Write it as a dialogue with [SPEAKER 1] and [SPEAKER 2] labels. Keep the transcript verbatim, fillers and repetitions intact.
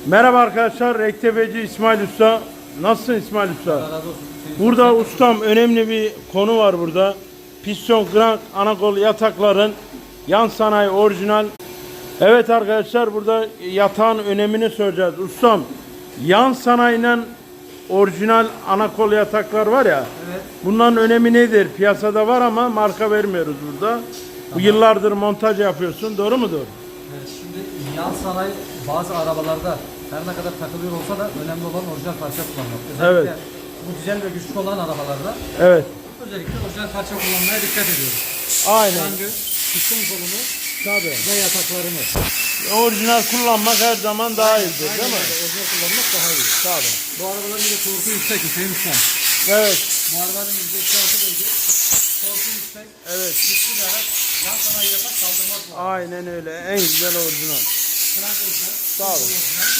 [SPEAKER 1] Merhaba arkadaşlar, Rektebeci İsmail Usta. Nasılsın İsmail Usta?
[SPEAKER 2] Allah razı olsun.
[SPEAKER 1] Burada ustam önemli bir konu var burada. Piston, krank, anakol yatakların yan sanayi orijinal. Evet arkadaşlar, burada yatağın önemini söyleyeceğiz. Ustam, yan sanayinin orijinal anakol yataklar var ya.
[SPEAKER 2] Evet.
[SPEAKER 1] Bunların önemi nedir? Piyasada var ama marka vermiyoruz burada. Bu yıllardır montaj yapıyorsun. Doğru mudur?
[SPEAKER 2] Evet, şimdi yan sanayi bazı arabalarda her ne kadar takılıyor olsa da önemli olan orijinal parça kullanmak. Özellikle
[SPEAKER 1] Evet.
[SPEAKER 2] bu dizel ve güçlü olan arabalarda
[SPEAKER 1] Evet.
[SPEAKER 2] özellikle orijinal parça kullanmaya dikkat ediyoruz.
[SPEAKER 1] Aynen.
[SPEAKER 2] Krangı, piston kolunu
[SPEAKER 1] Tabii.
[SPEAKER 2] ve yataklarını.
[SPEAKER 1] Orijinal kullanmak her zaman daha iyidir,
[SPEAKER 2] Aynen
[SPEAKER 1] değil mi?
[SPEAKER 2] öyle, orijinal kullanmak daha iyi.
[SPEAKER 1] Tabii.
[SPEAKER 2] Bu arabaların bir de torku yüksek Hüseyin Ustam.
[SPEAKER 1] Evet.
[SPEAKER 2] Bu arabanın yüzde iki altı bölge. Torku yüksek.
[SPEAKER 1] Evet.
[SPEAKER 2] Güçlü bir araç. Yan sanayi yatak kaldırmaz bu araba.
[SPEAKER 1] Aynen öyle. En güzel orijinal.
[SPEAKER 2] Krank orijinal.
[SPEAKER 1] Sağ olun.
[SPEAKER 2] piston orijinal.